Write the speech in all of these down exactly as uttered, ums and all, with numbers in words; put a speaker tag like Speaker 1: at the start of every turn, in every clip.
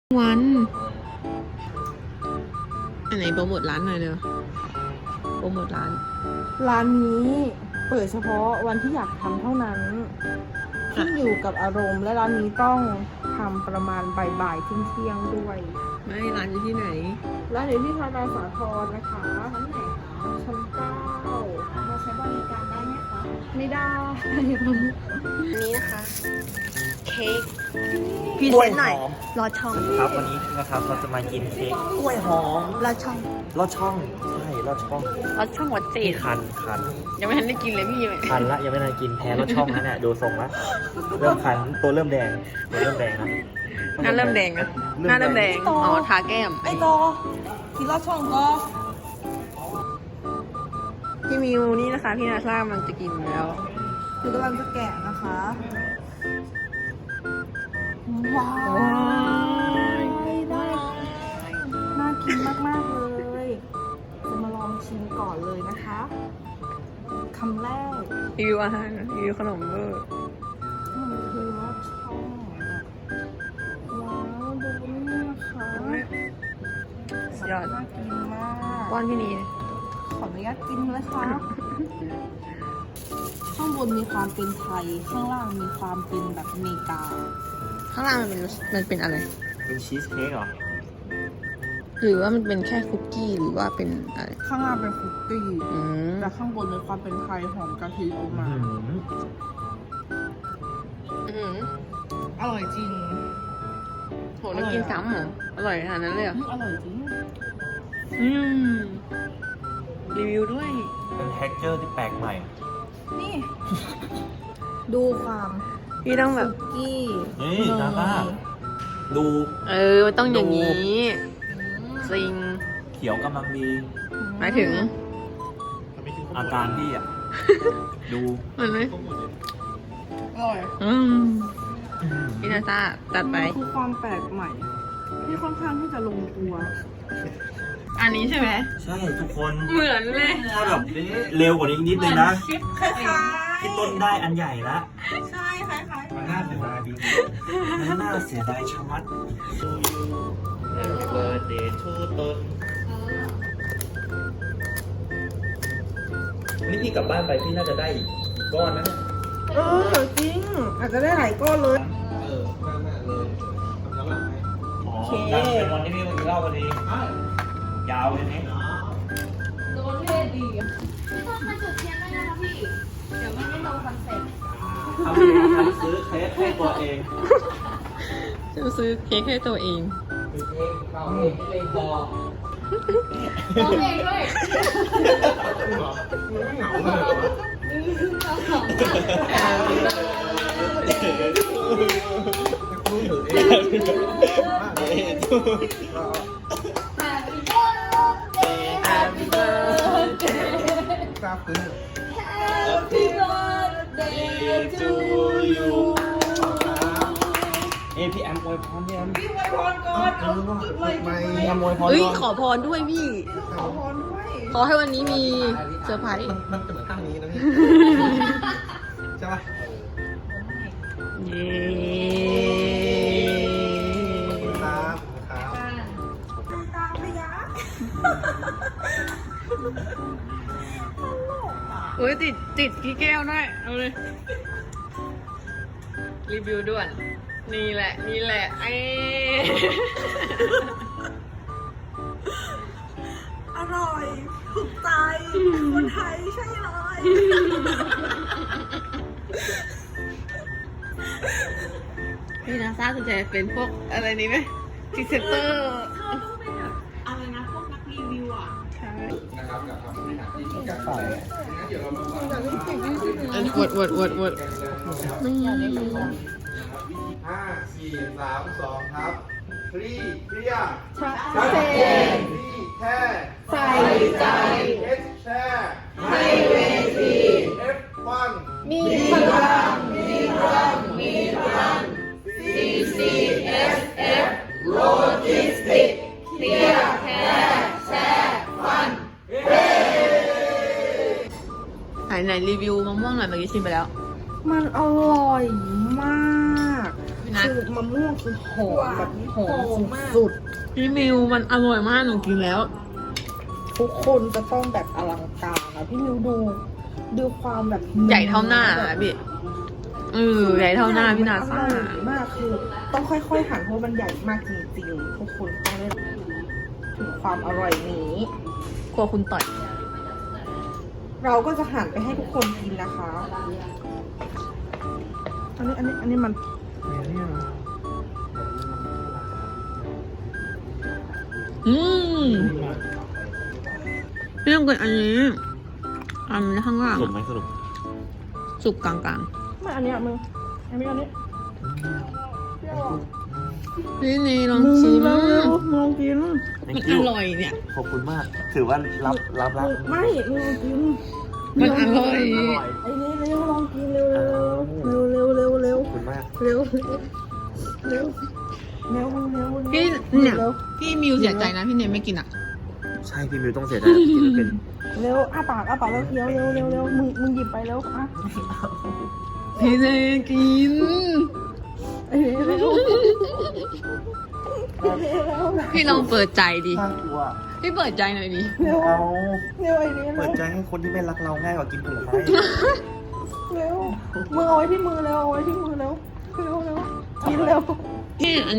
Speaker 1: วันอันไหนโปรโมทร้านหน่อยเร็วโปรโมทร้าน
Speaker 2: ร้านนี้เปิดเฉพาะวันที่อยากทำเท่านั้นขึ้นอยู่กับอารมณ์และร้านนี้ต้องทำประมาณบ่ายๆเที่ยงๆด้วย
Speaker 1: ไม่ร้านอยู่ที่ไหน
Speaker 2: ร้านอยู่ที่ธนาสาทรนะคะชั้นไหนคะชั้นเก้า
Speaker 3: มาใช้บริการได้ไหมคะ
Speaker 2: ไม่ได้
Speaker 1: อันนี้นะคะ เค้กพรี
Speaker 4: ก
Speaker 1: เซ
Speaker 4: ล้วย
Speaker 1: นต์
Speaker 4: ห
Speaker 1: หน่อย
Speaker 4: อม
Speaker 1: รอช่อง
Speaker 4: ครับวันนี้นะครับเราจะมากินเค้กกล้วยหอม
Speaker 1: รอช่อง
Speaker 4: ลอดช่องใช่ลอดช่อง
Speaker 1: รอช่องวัดเจ
Speaker 4: ที่
Speaker 1: ด
Speaker 4: คันคัน
Speaker 1: ยังไม่ทันได้กินเลยพี่เลย
Speaker 4: คันละยังไม่ทันกินแพ้ลอดช่องนะเนี่ยดูทรงละเริ่มคันตัวเริ่มแดงตัวเริ่มแดงนะ
Speaker 1: หน้าเริ่มแดงนะหน้าเริ่มแดงอ๋อทาแก้ม
Speaker 2: ไอ้โตกินลอดช่องก็
Speaker 1: พี่มิวนี่นะคะพี่นาซากำลังจะกินแล้ว
Speaker 2: คือกำลังจะแกะนะคะว้าว
Speaker 1: ว้าว
Speaker 2: ได้น่ากินมากๆเลยจะมาลองชิมก่อนเลยนะคะคำแรก
Speaker 1: รีวิวอาหารรีวิวขนมเบอร์
Speaker 2: มันคือลอดช่องแบบว้าวดูนี่นะคะ
Speaker 1: สุดยอด
Speaker 2: น่ากินมาก
Speaker 1: ป้อนพี่นี
Speaker 2: ขออนุญาตกินเลยค่ะ ข้างบนมีความเป็นไทย ข้างล่างมีความเป็นแบบอเมริกา
Speaker 1: ข้างล่างมันเป็นมันเป็นอะไร
Speaker 4: เป็นชีสเค้กเหรอ
Speaker 1: หรือว่ามันเป็นแค่คุกกี้หรือว่าเป็นอะไร
Speaker 2: ข้างล่างเป็นคุกกี้
Speaker 1: อืม
Speaker 2: แต่ข้างบนมีความเป็นไทยหอมกะทิออกมา
Speaker 4: อื้อหือ
Speaker 1: อืม
Speaker 2: อร่อยจริง
Speaker 1: โหแล้วกินซ้ำเหรออร่อยขนาดนั้นเลยเหรอ
Speaker 2: อร่อยจริง
Speaker 1: อืมรีวิวด้วย
Speaker 4: เป็นแท็กเจอร์ที่แปลกใหม่
Speaker 2: นี่ ดูความ
Speaker 1: พี่ต้องแบบ
Speaker 2: คุกกี้
Speaker 4: นี่ดาบ้าดู
Speaker 1: เออมันต้องอย่างนี้จริง
Speaker 4: เขียวกำลังดี
Speaker 1: หมายถึง
Speaker 4: อาการพี่อ่ะ ดู
Speaker 1: มันไหม
Speaker 2: อร่อย
Speaker 1: อืมพี่นาซาจัดไป
Speaker 2: มันคือความแปลกใหม่ ที่ค่อนข้างที่จะลงตัว
Speaker 1: อันนี้ใช่ไหม
Speaker 4: ใช่ทุกคน
Speaker 1: เหมือนเลย
Speaker 4: ถ้าแบบเร็วกว่านี้อีกนิดนึงนะ
Speaker 2: คล้าย
Speaker 4: พี่ต้นได้อันใหญ่ละ
Speaker 2: ๆใช่คล้ายๆ
Speaker 4: มันน่าเสียดายดีมันน่าเสียดายชะมัด Happy birthday to ต้นนี่พี่กลับบ้านไปพี่น่าจะได้อีกก้อนนะ
Speaker 2: เออจริง อาจจะได้หลายก้อนเลย
Speaker 4: อ๋อนั่นเป็นวันที่พี่มากินเหล้าพอดียาวเลยนี่
Speaker 3: โดนเทศดีพี่ต้นมาจุดเทียนได้นะคะพี่ เดี๋ยวมันไม่ตรงคอนเซ็ปต์
Speaker 4: ทำทำซื้อเค้กให้ตัวเอง
Speaker 1: จะซื้อเค้กให้ตัวเอง
Speaker 3: ร้องเองด้วย
Speaker 4: เอ้พี่แอมอวยพรพี่แอม
Speaker 2: พี่ไวยพรก่อนเอาเลยทำไม
Speaker 4: พี่แอมอวยพร
Speaker 1: เฮ้ย
Speaker 4: ก่อน
Speaker 1: ขอพรด้วยพี่
Speaker 2: ขอพรด้วย
Speaker 1: ขอให้วันนี้มีเซอร์ไพรส์
Speaker 5: มันจะเหมือนข้างนี้นะพี่ ใช่ป่ะ
Speaker 1: เย้
Speaker 5: ครับครับ
Speaker 2: ตามไปยะ
Speaker 1: เฮ้ยติดติดกี่แก้วได้เอาเลย รีวิวด่วน นี่แหละ นี่แหละไอ้
Speaker 2: อร่อย ถูกใจ คนไทยใช่เลย
Speaker 1: พี่นาซาสนใจเป็นพวกอะไรนี้ไหมพรีเซนเตอร์
Speaker 2: อะไรนะพวกนักรีวิวอ่ะ
Speaker 1: ใช่
Speaker 5: นะครับกับคำบริหารที่มีการแต่งั้นเดี๋ยวเรามาฟัง
Speaker 1: อวดอวดอวดอวดไม่อยากได้ดู
Speaker 5: ห้าสี่สามสองครับฟรีเคลียร์
Speaker 2: ชัดเจน
Speaker 5: ฟรีแค่
Speaker 2: ใส่ใจ
Speaker 5: เอสแชร์
Speaker 2: ให้เวที
Speaker 5: เอฟวัน
Speaker 2: มีพลัง มีพลัง มีพลัง ซี ซี เอส เอฟ โลจิสติกเคลียร์แคร์แชร์ฟัน
Speaker 1: ไหนไหนรีวิวมะม่วงหน่อยเมื่อกี้ชิมไปแล้ว
Speaker 2: มันอร่อยมาก
Speaker 1: พี่นา
Speaker 3: ะ
Speaker 1: คือมะม่วงคือหอมแบบหอมสุด
Speaker 3: พี่มิวมันอร่อยมากหนูกินแล้ว
Speaker 1: ๆทุกคนจะต้องแบบอลังการนะพี่มิวดูดูความแบบ
Speaker 3: ใหญ่เท่าหน้าอะพี่เออใหญ่เท่าหน้าพี่นาซ่า
Speaker 1: อร่อยมากคือต้องค่อยๆหั่นเพราะมันใหญ่มากจริงๆทุกคนต้องได้ถึงความอร่อยนี้
Speaker 3: กลัวคุณต่อย
Speaker 1: เราก็จะหั่นไปให้ทุกคนกินนะคะ อันนี้อันนี้อันนี้มัน
Speaker 3: อืมพี่ต้องกินอันนี้ อันนี้ข้างล่าง
Speaker 4: สรุปไหมสรุป
Speaker 3: สุกกลาง
Speaker 1: ไม่อันเนี้ยมึงอันนี้อันนี้เปรี้ยวอ่ะ
Speaker 3: ๆนี่นี่ลองชิม
Speaker 1: มึงเร็วๆมึงลองกิน
Speaker 3: มันอร่อยเนี่ย
Speaker 4: ขอบคุณมาก ถือว่ารับรับรับ
Speaker 1: ไม่มึงลองกิน
Speaker 3: มันอร่อย
Speaker 1: ไอ้นี่เร็วลองกินเร็วเร็วเร็วเร็วเร็ว
Speaker 4: ขอบคุณมาก
Speaker 1: เร็วเร็วเร็วเร็ว
Speaker 3: พี่เนี่ยพี่มิวเสียใจนะพี่เนมไม่กินอ่ะ
Speaker 4: ใช่พี่มิวต้องเสียดายกินเป็น
Speaker 1: เร็วอ้าปากอ้าปากแล้วเคี้ยวเร็วเร็วเร็วมึงมึงหยิบไปแล้วอ่ะ
Speaker 3: พี่เนมกิน
Speaker 1: เอ้ยเร็วเร็ว
Speaker 3: พี่ลองเปิดใจดิ
Speaker 4: น่ากลัว
Speaker 3: พี่เปิดใจหน่อยดิ
Speaker 1: เร็ว
Speaker 4: เอา
Speaker 1: เร็วไอ้นี่
Speaker 4: เปิ
Speaker 1: เร็
Speaker 4: ด
Speaker 1: ว
Speaker 4: ใจให้คนที่ไม่รักเราง่ายกว่ากินผลไม้
Speaker 1: เร็วมือเอาไว้ที่มือเร็วเอาไว้ที่มือเร็วเร็วเร็วกินเร็ว
Speaker 3: พี่อัน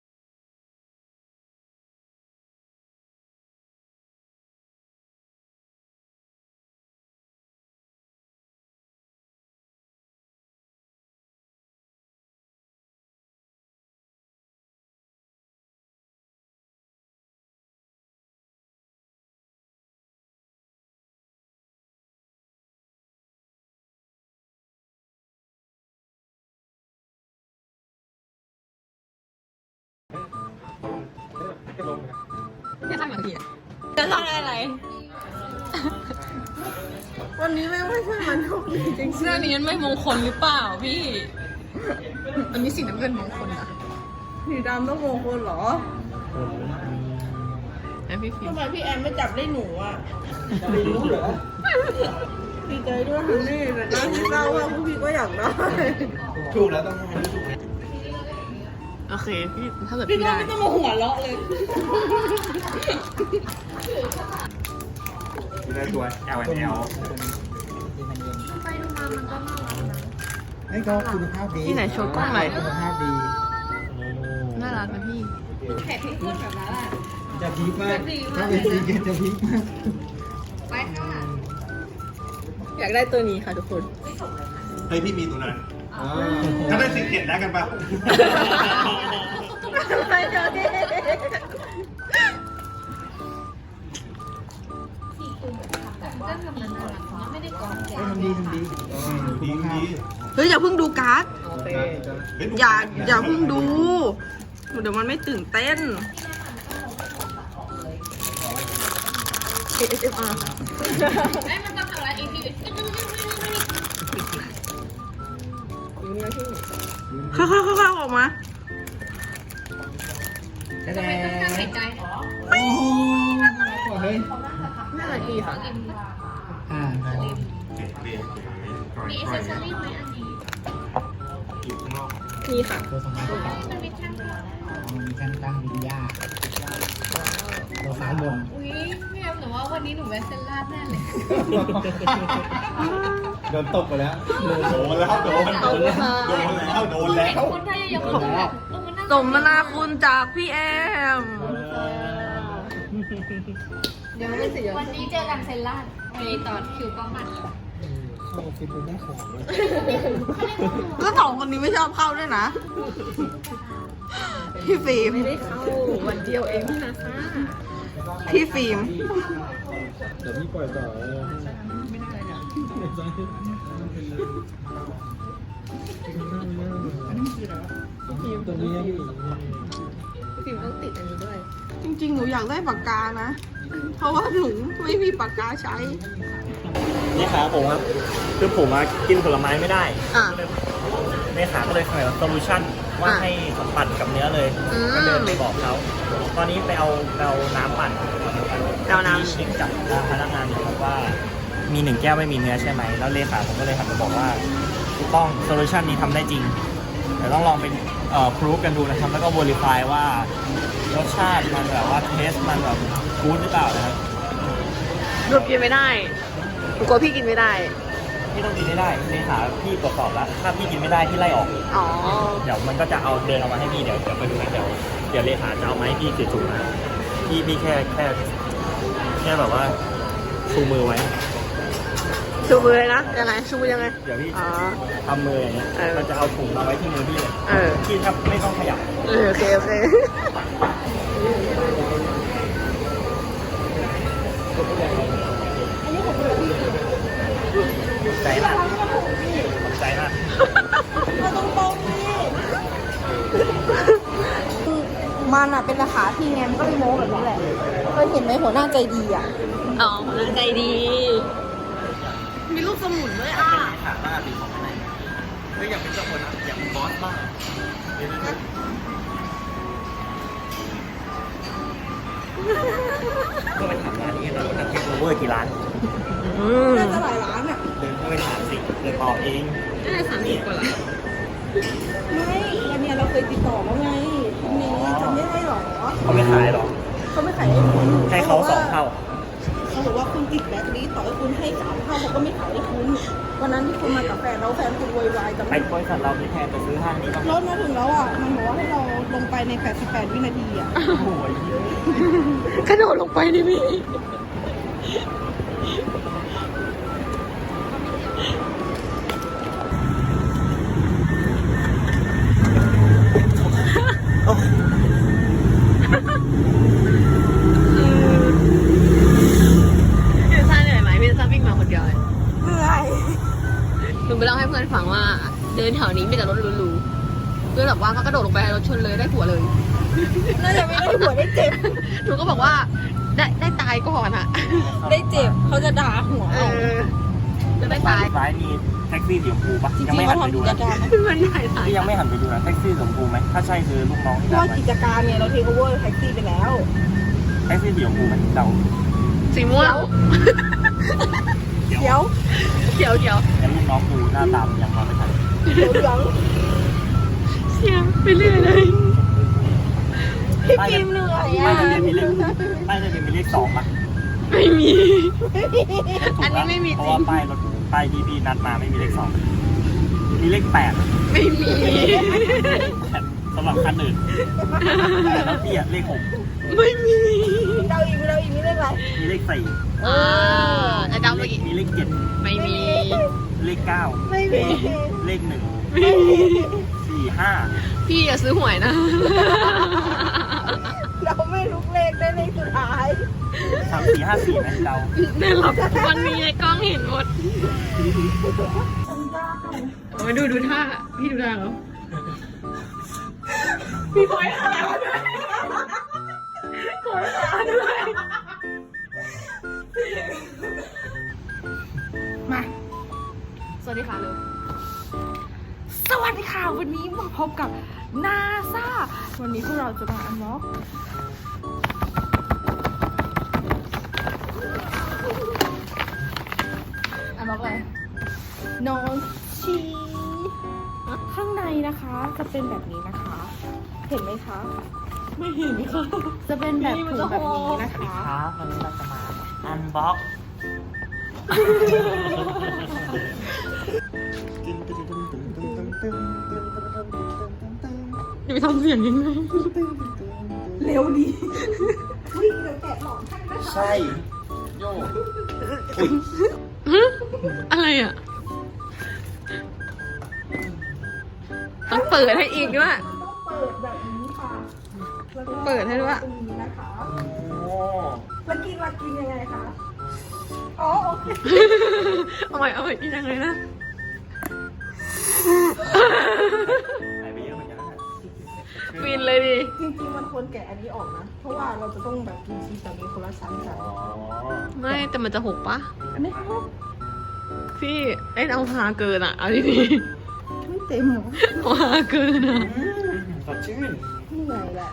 Speaker 3: จะทำอย่างไรจะทำอะไร
Speaker 1: วันนี้ไม่ไม่ใช่มันโชคดีจริง
Speaker 3: เสื้อนี้มันไม่มงคลหรือเปล่าพี่ อันนี้สีน้ำเงินมงคลอะ
Speaker 1: ๆสีดำต้องมงคลเหรอ
Speaker 3: แล้วพี่ฟิล์
Speaker 1: ทำ
Speaker 3: ม
Speaker 1: ไมพี่แอนไม่จับได้หนูอ่ะไม่รู้เหรอดีใจด้วยค่ะนี่แต่น่าที่เศร้าว่าพวกพี่ก็อยากได้
Speaker 5: ถูกแล้วต้องให้ถูก
Speaker 3: โอเคพี่ถ้าเกิด
Speaker 1: พี่
Speaker 3: พี่
Speaker 1: ก็
Speaker 3: ได้
Speaker 1: ไม่ต้องมาหัวเราะเลย
Speaker 5: ได้ตัว L and L
Speaker 6: นี่ก็คุณภาพดี
Speaker 3: ที่ไหนโชว์กล้องหน่อย
Speaker 6: คุณภาพดี
Speaker 3: น่ารักนะพี่
Speaker 6: จะพีคมากถ้าเป็นซีเกตจะพีคมาก
Speaker 3: อยากได้ตัวนี้ค่ะทุกคน
Speaker 5: เฮ้ยพี่มีตัวนั้นถ้าได้สิเก็ตได้กันปะ
Speaker 1: ไม่เจอที่
Speaker 6: ทำดีทำดี
Speaker 5: ดีดี
Speaker 1: เฮ้ยอย่าเพิ่งดูการ์ด
Speaker 5: เฮ้ย
Speaker 1: อย่าอย่าเพิ่งดู เดี๋ยวมันไม่ตื่นเต้น เอ เอส เอ็ม อาร์
Speaker 3: ไม่มันต้องทำอะไรอีกที
Speaker 1: ค่อยๆๆๆออกมา
Speaker 6: แสดง
Speaker 3: หายใจ
Speaker 6: โอ้โหเฮ้ย
Speaker 3: น่ารักดีค่ะ
Speaker 6: อ่า
Speaker 3: มีเอเซอรี่ไหมอันนี้
Speaker 5: อยู่ข้างนอก
Speaker 3: มีค่ะ
Speaker 6: ตัวสองพันกระเป๋า
Speaker 3: มันมีแท่ง
Speaker 6: อ๋อมีการตั้งวิญญาตัวซ้ายบน
Speaker 3: อุ้ยพี่แอมหนูว่าวันนี้หนูแวะเซนลาดแน่เลย
Speaker 5: โดนตบไปแล้วโดนแล้วโดนโดนแล้วโดนแล้ว
Speaker 3: คนไทยยังคนแบบเออมันน่า
Speaker 1: สมนาคุณจากพี่แอม
Speaker 3: วันนี้เจอกันเซนลาดไปต่อคิวกล้องมัน
Speaker 6: เข้าฟิตเป็นได้ของเลย
Speaker 1: ก็สองคนนี้ไม่ชอบเข้าด้วยนะ พี่ฟิล์มไม่ได้เข้าวันเดียวเองพี่นะพี่ฟิล์ม
Speaker 6: เดี๋ยวพี่ปล่อยต่อตัวนี้ยังอยู่
Speaker 3: ฟิล์มต้องติดอันนี้ด้วย
Speaker 1: จริงๆ หนูอยากได้ปากกานะ เพราะว่าหนูไม่มีปากกาใช้
Speaker 4: นี่ขาผมครับคือผมอะกินผลไม้ไม่ได้
Speaker 1: อ่ะ
Speaker 4: ในขาก็เลยเสนอโซลูชั่นว่า
Speaker 1: อ่ะ
Speaker 4: ให้ปั่นกับเนื้อเลย
Speaker 1: อืม
Speaker 4: ก็เดินไปบอกเขาตอนนี้ไปเอาไปเอาน้ำปั่น
Speaker 1: ไปเอาน้ำ
Speaker 4: ที่เช็คกับพนักงานอยู่ครับว่า มีหนึ่งแก้วไม่มีเนื้อใช่ไหมแล้วเลขาผมก็เลยหันมาบอกว่าถูกต้องโซลูชันนี้ทำได้จริงเดี๋ยวต้องลองเป็นเอ่อพรูฟกันดูนะครับ แล้วก็ verify ว่ารสชาติมันแบบว่าเทสมันแบบกู๊ดหรือเปล่านะครับ
Speaker 2: หนูกินไม่ได้หนูกลัวพี่กินไม่ได้
Speaker 4: พี่ต้องกินให้ได้เลขาพี่ตรวจสอบแล้ว ถ้าพี่กินไม่ได้พี่ไล่ออก
Speaker 2: อ๋อ
Speaker 4: เดี๋ยวมันก็จะเอาเดินเอามาให้พี่เดี๋ยวเดี๋ยวไปดูนะเดี๋ยวเดี๋ยวเลขาจะเอามาให้พี่ถือถุงมาพี่พี่แค่แค่แค่แบบว่าชูมือไว้
Speaker 2: ชูมือเลยนะ ยังไง ชูมือยังไง
Speaker 4: เดี๋ยวพี่
Speaker 2: อ๋อ
Speaker 4: ทำมืออย่างเงี้ย
Speaker 2: เออ
Speaker 4: มันจะเอาถุงมาไว้ที่มือพี่เลย
Speaker 2: เออ
Speaker 4: พี่ถ้าไม่ต้องขยับ
Speaker 2: เออโอเค โอเค
Speaker 4: ใจมากใจมาก
Speaker 1: เราต้องตรงนี่คือมันอ่ะเป็นราคาพี่ไงมันก็เลยโม้แบบนี้แหละเคยเห็นไหมหัวหน้าใจดีอ่ะ
Speaker 2: อ๋อน่าใจดี มีลูกสมุนด้วยอ่ะ
Speaker 4: ถามว่าตีของไหนเฮ้ยอยากเป็นเจ้าคนนะอยากเป็นบอสบ้างก็ไปถามร้านนี้เราจะเทคโอเวอร์กี่ร้าน
Speaker 2: อืม
Speaker 1: น่าจะหลายร้านอ่ะ
Speaker 4: เดินเข้าไปถามสิเดินตอบเอง
Speaker 2: น่าจะสามสิบกว่าละ
Speaker 1: ไม่อันเนี้ยเราเคยติดต่อแล้วไงคุณเนยจำไม่ได้หรอ
Speaker 4: เขาไม่ขายหรอ
Speaker 1: เขาไม่ขายให้คุณ
Speaker 4: ให้เขาสองเท่า
Speaker 1: เขาบอกว่าคุณติดแบล็คลิสต์ต่อให้คุณให้สามเท่าเขาก็ไม่ขายให้คุณ วันนั้นที่คุณมากับแฟนแล้วแฟนคุณโวยวายจำ
Speaker 4: ไป
Speaker 1: ได้
Speaker 4: บริษัทเรามีแทนไปซื้อห้างนี้บ้าง
Speaker 1: รถมาถึงแล้วอ่ะ มันบอกว่าให้เราลงไปในแปดสิบแปดวินาทีอ่ะ
Speaker 4: โอ้ยเยอะ
Speaker 2: กระโดดลงไปดิพี่ พี่ซ่าเหนื่อยไหมพี่ซ่าวิ่งมาคนเดียวเลย
Speaker 1: เหนื่อย
Speaker 2: หนูไปเล่าให้เพื่อนฟังว่า เดินแถวนี้มีแต่รถหรูๆเพื่อนบอกว่าก็กระโดดลงไปรถชนเลยได้ผัวเลย
Speaker 1: น่าจะไม่ได้หัวได้เจ็บ
Speaker 2: หนูก็บอกว่าได้ได้ตายก่อนอะ
Speaker 1: ได้เจ็บเขาจะด่าหัว
Speaker 2: เอ
Speaker 1: เอา
Speaker 2: อจะได้ตาย
Speaker 4: ซ้ายมีแท็กซี่สีชมพูปะ
Speaker 1: จริง
Speaker 4: ยัง
Speaker 1: ๆ
Speaker 4: ไม่
Speaker 1: เขา
Speaker 4: หันไป
Speaker 1: ทำ
Speaker 4: ดู
Speaker 1: กิจ
Speaker 4: นะ
Speaker 1: การนะ
Speaker 2: มันได้ตาย
Speaker 4: ที่ยังไม่หันไปดูนะแท็กซี่สีชมพูไหมถ้าใช่คือลูกน้องที่
Speaker 1: เพ
Speaker 4: นั
Speaker 1: ราะ
Speaker 4: ด
Speaker 1: ว่า
Speaker 4: ไว้
Speaker 1: กิจการเนี่ยเราเทคโอเวอร์แท็กซี่ไปแล้ว
Speaker 4: แท็กซี่สีชมพูไหมเดา
Speaker 2: สีม่วง
Speaker 1: เดี๋ยว
Speaker 2: เขียวเขียว
Speaker 4: แล้วลูกน้องดูหน้าตามนยังมองไม่ทัน
Speaker 1: เดี๋ยวเหลือง
Speaker 2: เชียร์ไปเรื่อยเลย
Speaker 1: พี่ฟิล์มเหนื่อย
Speaker 4: ป้าย
Speaker 1: อ่ะ
Speaker 4: ทะเบียนมีเลขป้ายทะเบียนมีเลขสองปะ
Speaker 2: ไม่มี
Speaker 4: ถูกปะ
Speaker 2: อันนี้ไม่มีจริง
Speaker 4: เพราะว่าป้ายรถป้ายที่พี่นัดมาไม่มีเลขสองมีเลขแปด
Speaker 2: ไม่มี
Speaker 4: สำหรับคันอื่นแต่รถพี่อะเลขหก
Speaker 2: ไม่มี
Speaker 1: เราอีกเราอีกมีเรื่องอะไร
Speaker 4: มีเลขสี่
Speaker 2: อ่าแล้วเดา
Speaker 4: เล
Speaker 2: ไป
Speaker 4: ข
Speaker 2: อีก
Speaker 4: มีเลขเจ็ด
Speaker 2: ไม่มี
Speaker 4: เลขเก้า
Speaker 1: ไม่มี
Speaker 4: เลขหนึ่ง
Speaker 2: ไม่มี
Speaker 4: สี่ห้า
Speaker 2: พี่อย่าซื้อหวยนะ
Speaker 1: เราไม่ลุกเลขได้เลขสุดท้าย
Speaker 4: สามสี่ห้าสี่ไหมเดา
Speaker 2: แน่หรอกมันมีในกล้องเห็นหมดโอ้ยดูดูท่า พี่ดูท่าเหรอพี่พอยท่าด้วยพอยท่าด้วย
Speaker 1: มา สวัสดีค่ะเร็วสวัสดีค่ะ วันนี้มาพบกับนาซาวันนี้พวกเราจะมาอันล็อกอันล็อกอะไรนอนชีข้างในนะคะจะเป็นแบบนี้นะคะ เห็นไหมคะ ไม่เห็นค่ะ จะเป็นแบบถุงแบบนี้นะคะ
Speaker 4: ครับวันนี้เราจะมาอันบ็อก
Speaker 2: จะไปทำเสียงยังไง
Speaker 1: เร็วดีวิ่งเดี๋ยวแกะหลอนให้นะคะ
Speaker 4: ใช่โยอุ้ย
Speaker 2: อะไรอ่ะ ต้องเปิดให้อีกด้วย
Speaker 1: ต้องเปิดแบบนี้ค่ะแล้วก็
Speaker 2: เปิดให้ด้วย
Speaker 1: ตรงนี้นะคะ
Speaker 4: โอ้
Speaker 1: แล้วกินมากินยังไงคะ อ๋อโอเค
Speaker 2: เอาใหม่เอาใหม่กินยังไงนะ
Speaker 4: หายไปเยอะเหมือนกันนะ
Speaker 2: ฟินเลยดิ
Speaker 1: จริงๆมันควรแกะอันนี้ออกนะ เพราะว่าเราจะต้องแบบกินชีสแบบนี้คนละชั้นกัน
Speaker 4: อ๋อ
Speaker 2: ไม่แต่มันจะหกปะ
Speaker 1: อันนี้ครับ
Speaker 2: พี่เอ็นเอาหาเกินอ่ะ เอาดี
Speaker 1: ไม่เต็มหรอ
Speaker 2: ๆเอาหาเกินอ่ะ
Speaker 4: อืมสดชื่น
Speaker 1: เหนื่อยแหละ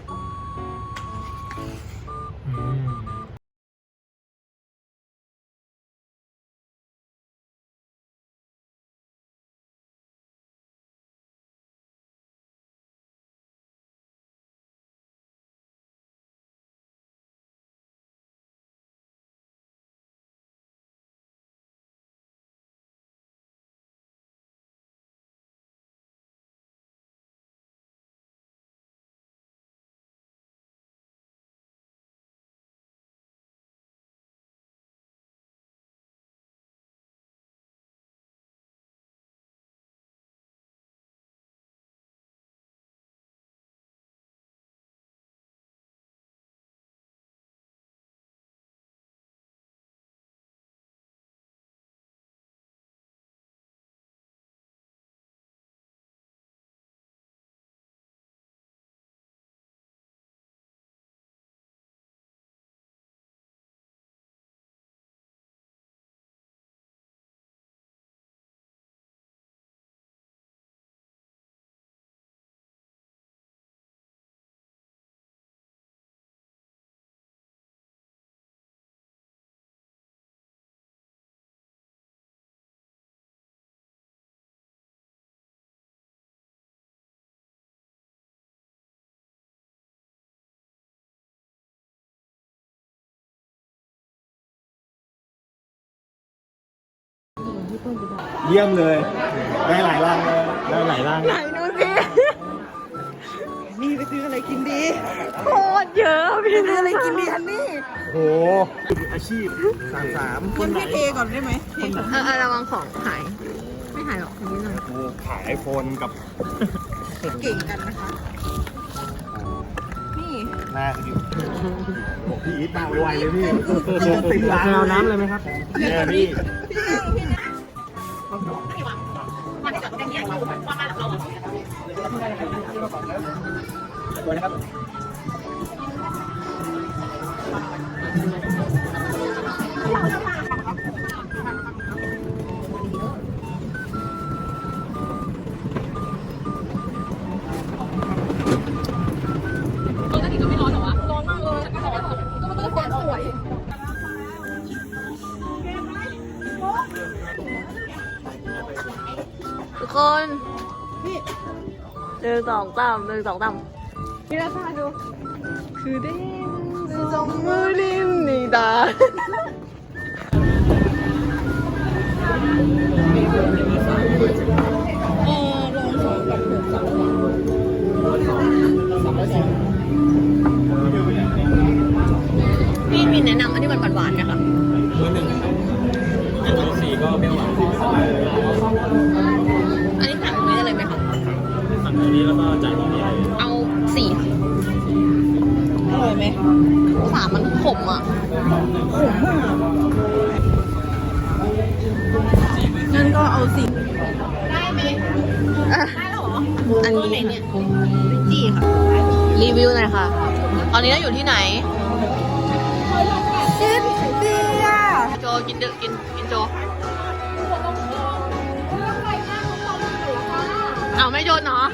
Speaker 1: พื่อนจะได้
Speaker 4: เยี่ยมเลย ได้หลายรังเลย ได้หลายรัง
Speaker 1: ไหนดูสินี่ไปซื้ออะไรกินดีโคตรเยอะพี่ซื้ออะไรกินดีอันนี้
Speaker 4: โหอาชีพสามสามค
Speaker 1: เพื่อน
Speaker 4: นไหน
Speaker 1: พี่เทก่อนได้ไหมเทก่อน
Speaker 3: เออเออระวังของหาย ไม่หายหรอกนิดหน่อย
Speaker 4: กูขายไอโฟนกับ
Speaker 1: เก่งกันนะคะ นี่
Speaker 4: หน้าอยู่บอกพี่อีทมาไวๆเลยพี่ติดร้านเอาน้ำเลยไหมครับเนี่ยพี่
Speaker 3: ทุกคนหนึ่งสองสามหนึ่งสองสามพี่ราคาดู คือเด้งสองมือนิ่มนี่ดา
Speaker 1: เออลองสองกับหกสอง
Speaker 3: พี่มีแนะนำอันที่มันหวานๆไหมคะ
Speaker 4: เบอร์หนึ่งแต่เบอร์สี่ก็เปรี้ยวหวาน
Speaker 3: อันนี้สั่งตรงนี้ได้เลยไหมคะ
Speaker 4: สั่งตัวนี้แล้วก็จ่ายตรงนี้เลย
Speaker 3: เอาสี่ค่ะ
Speaker 1: อร่อยไหม
Speaker 3: สามมันขมอ่ะ
Speaker 1: งั้นก็เอาสิ
Speaker 3: อันนี้เนี่ยจี้ค่ะ รีวิวหน่อยค่ะ ตอนนี้เราอยู่ที่ไหน
Speaker 1: กินเบียร์
Speaker 3: โจกินเดกินกินโจ เอาไม่โดนเนาะ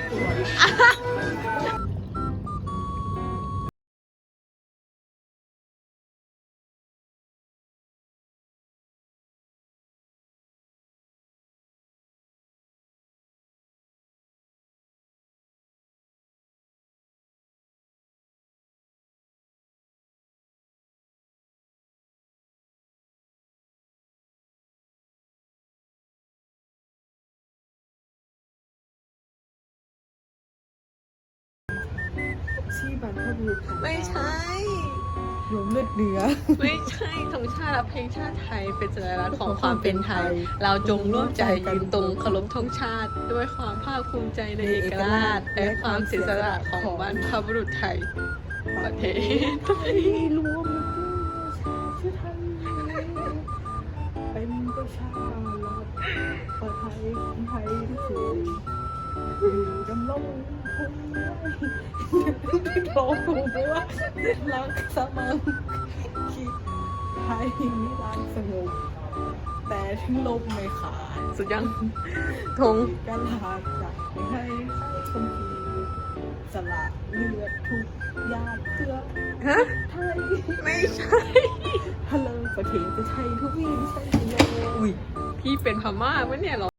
Speaker 1: ที่บรรพบุรุษของ
Speaker 3: ไม่ใช่
Speaker 1: หลวงเลือดเนื้อ
Speaker 3: ไม่ใช่ธงชาติและเพลงชาติไทยเป็นสัญลักษณ์ของความเป็นไทย เราจงร่วมใจยืนตรงเคารพธงชาติ ด้วยความภาคภูมิใจในเอกราชและความเสียสละของบรรพบุรุษไทย ประเทศไทย
Speaker 1: รวมชื่อไทยเป็นประชารัฐประไทยคนไทยทุกคนอยู่ดำรงคงไว้ที่โดนถูกไหมว่ารักสมังคิดไทยนิรันดร์สงบแต่ถึงลมไม่ขาด
Speaker 3: สุดยังธง
Speaker 1: กลาดจากให้คนทีสละเลือดทุกญาติเพื่อ
Speaker 3: ฮะ
Speaker 1: ไทย
Speaker 3: ไม่ใช่
Speaker 1: ฮัลโหลประเทศจะใช่ทุกวีใช่ไหมอุ้ย
Speaker 3: พี่เป็นพม่าไหมเนี่ยเหรอ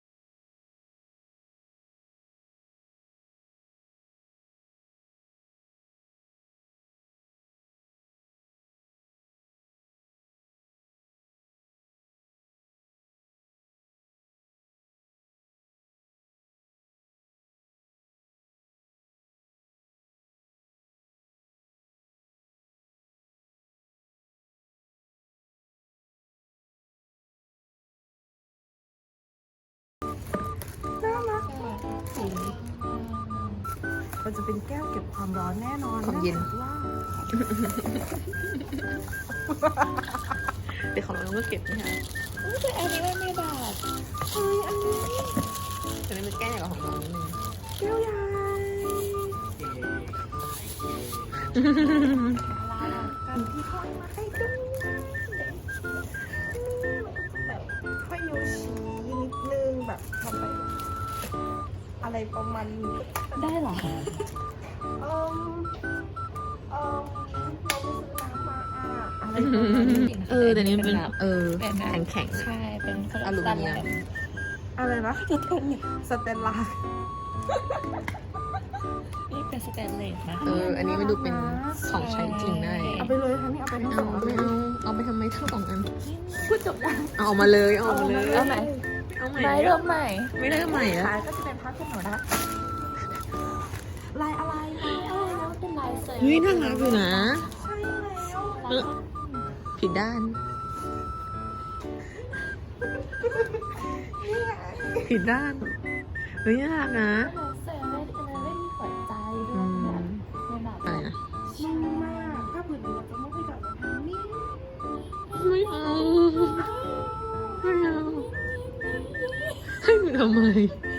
Speaker 1: มันจะเป็นแก้วเก็บความร้อนแน่นอน
Speaker 3: ความเย็น
Speaker 1: ว่า
Speaker 3: เดี๋ยวของเราก็เก็บนี่ค่ะ
Speaker 1: แต่อันนี้มันไม่บาดเฮ้ยอันนี้
Speaker 3: แต่นี่มันแก้ใหญ่กว่าของเรานิดนึง
Speaker 1: แก้วใหญ่กันที่ทอดมาให้ดูแบบค่อยโยชีนิดนึงแบบทำไปอะไรประมาณนี้ได้หรอเอมเอมเราไปซื้อน้ำมาอ่ะอะไรประมาณนี้
Speaker 3: เออแต่นี่มันเป็นเออ
Speaker 2: เป็นแบบ
Speaker 3: แข็งแข็งๆ
Speaker 2: ใช่ เป็น
Speaker 3: อลูมิเนียม
Speaker 1: ออะไรนะสเตนสเตนลา
Speaker 2: นี่เป็นสแตนเลสนะ
Speaker 3: เออ อันนี้ไม่ดูเป็นของใช้จริงได้
Speaker 1: เอาไปเลยทั้งนี้เอาไปทั้งส
Speaker 3: เอา
Speaker 1: อง
Speaker 3: ไม่เอา เอาไปทำไมทั้งสองอัน
Speaker 2: พูดจบยัง
Speaker 3: เอาออกมาเลย เอาออกมาเลย
Speaker 2: เอาไหน
Speaker 3: เอาใหม่
Speaker 2: ได้เริ่มใหม่
Speaker 3: ไม่ได้ใหม่อะ
Speaker 2: ขายก็จะเป็นผ้าขนหนูนะลายอะไรลายอะไรแล้วเป็นลายเซอร์
Speaker 3: เฮ้ยน่ารักอยู่นะ
Speaker 2: ใช่แล้ว
Speaker 3: ผิดด้าน ผิดด้าน เฮ้ยน่ารักนะ
Speaker 2: ลายเซอร์ไม่ได้ไม่มีหัวใจด้
Speaker 3: อื
Speaker 2: วย
Speaker 3: ม
Speaker 2: แบบในแบบ
Speaker 3: อะไรนะ
Speaker 1: นุ่มมากถ้าผืนนี้เราจะไม่ไปกับทางนี้
Speaker 3: ไม่เอา ไม่เอา ให้หนูทำไม